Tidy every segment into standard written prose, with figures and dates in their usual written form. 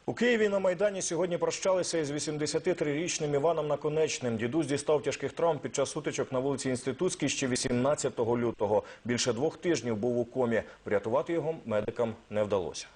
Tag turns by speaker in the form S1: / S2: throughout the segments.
S1: У Києві на Майдані сьогодні прощалися із 83-річним Іваном Наконечним. Дідусь дістав тяжких травм під час сутичок на вулиці Інститутській ще 18 лютого. Більше 2 тижнів був у комі. Врятувати його медикам не вдалося.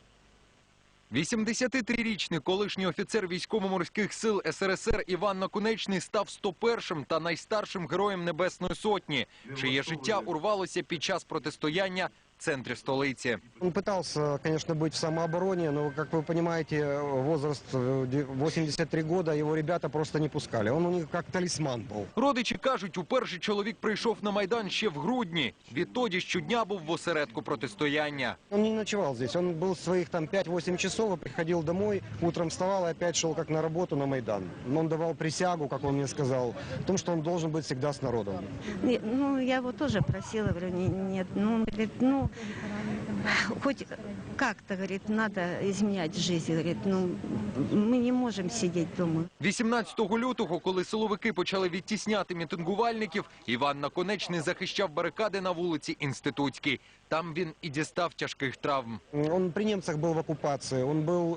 S2: 83-річний колишній офіцер військово-морських сил СРСР Іван Наконечний став 101-м та найстаршим героєм Небесної Сотні, чиє життя урвалося під час протистояння в центрі столиці.
S3: Он пытался, конечно, быть в самообороне, но, как вы понимаете, возраст 83 года, его ребята просто не пускали. Он у них как талисман был.
S2: Родичі кажуть, уперше чоловік прийшов на Майдан ще в грудні. Відтоді щодня був в осередку протистояння.
S3: Он не ночевал здесь, он был своих там 5-8 часов, приходил домой, утром вставал и опять шел как на работу на Майдан. Он давал присягу, как он мне сказал, о том, что он должен быть всегда с народом.
S4: Ну, я его тоже просила, говорю, нет, ну, говорит, ну, хоть как-то, говорит, надо изменять жизнь, говорит, ну, мы не можем сидеть дома.
S2: 18 лютого, коли силовики почали відтісняти мітингувальників, Іван Наконечний захищав барикади на вулиці Інститутській. Там він і дістав тяжких травм.
S3: Он при немцах был в оккупации, он был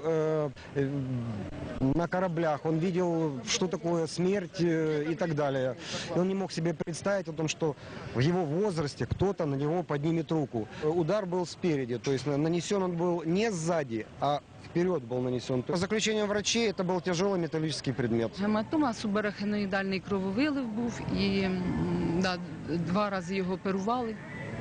S3: на кораблях, он видел, что такое смерть и так далее. И он не мог себе представить о том, что в его возрасте кто-то на него поднимет руку. Удар был спереди, то есть нанесен он был не сзади, а вперед был нанесен. По заключению врачей, это был тяжелый металлический предмет.
S5: Гематома, субарахноїдальний крововилив був і 2 рази його оперували.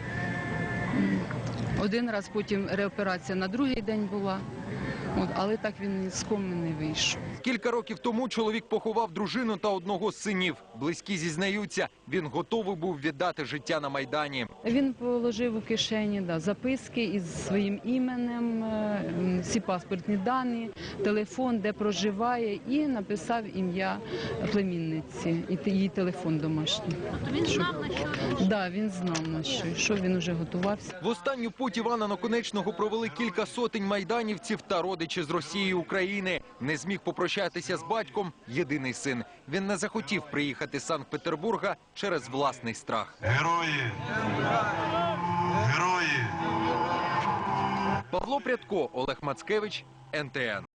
S5: 1 раз потім реоперація на другий день була, але так він з коми не вийшов.
S2: Кілька років тому чоловік поховав дружину та 1 з синів. Близькі зізнаються, він готовий був віддати життя на Майдані.
S5: Він положив у кишені записки із своїм іменем, всі паспортні дані, телефон, де проживає, і написав ім'я племінниці і її телефон домашній.
S6: Він знав, на що?
S5: Так, він знав, на що він вже готувався.
S2: В останню путь Івана Наконечного провели кілька сотень майданівців та родичі з Росії і України. Не зміг попрощатися з батьком єдиний син. Він не захотів приїхати з Санкт-Петербурга через власний страх.
S7: Герої! Герої!
S2: Павло Прядко, Олег Мацкевич, НТН.